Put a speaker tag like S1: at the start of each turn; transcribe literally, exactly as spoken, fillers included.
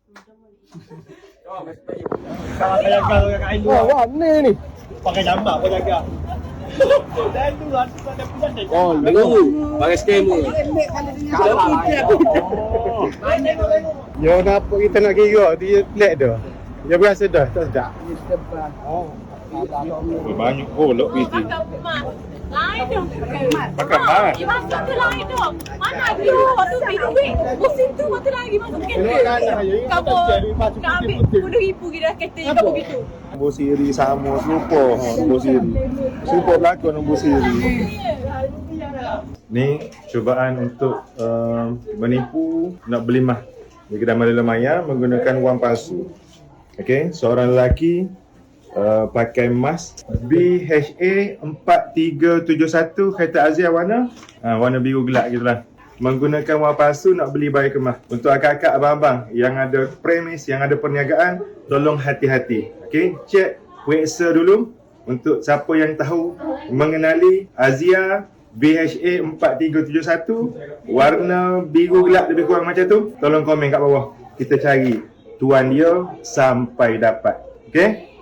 S1: Kalau kayak kalau yang kain
S2: Oh, warna ni.
S1: pakai jambak pun jaga. Dan tu lah tu ada punya dah.
S2: Oh,
S3: Baru pakai skema.
S2: Ya, kenapa kita nak kira dia flat dah. Dia berasa dah, tak sedap. Oh.
S4: Banyak golok P T.
S5: Lain dong.
S4: Pakai mat.
S5: Ya, masuk tu lain dong. Mana dia? Waktu duit. Musim tu waktu lagi masuk kereta.
S2: Keluar kanan je.
S5: Kamu nak ambil sepuluh ribu kita kereta je kamu gitu.
S4: Nombor siri sama serupa. Ha, nombor siri. Serupa berlakon nombor siri. Ni cubaan untuk uh, menipu nak beli mah di kedai Malila Maya menggunakan wang palsu. Okey, seorang lelaki uh, pakai mas B H A empat tiga tujuh satu kereta Azia warna uh, warna biru gelap gitulah. Menggunakan wang palsu nak beli bayi kemah. Untuk akak-akak abang-abang yang ada premis, yang ada perniagaan, tolong hati-hati. Okey, cek website dulu untuk siapa yang tahu mengenali Azia B H A empat tiga tujuh satu warna biru gelap lebih kurang macam tu, tolong komen kat bawah. Kita cari tuan dia sampai dapat. Okey?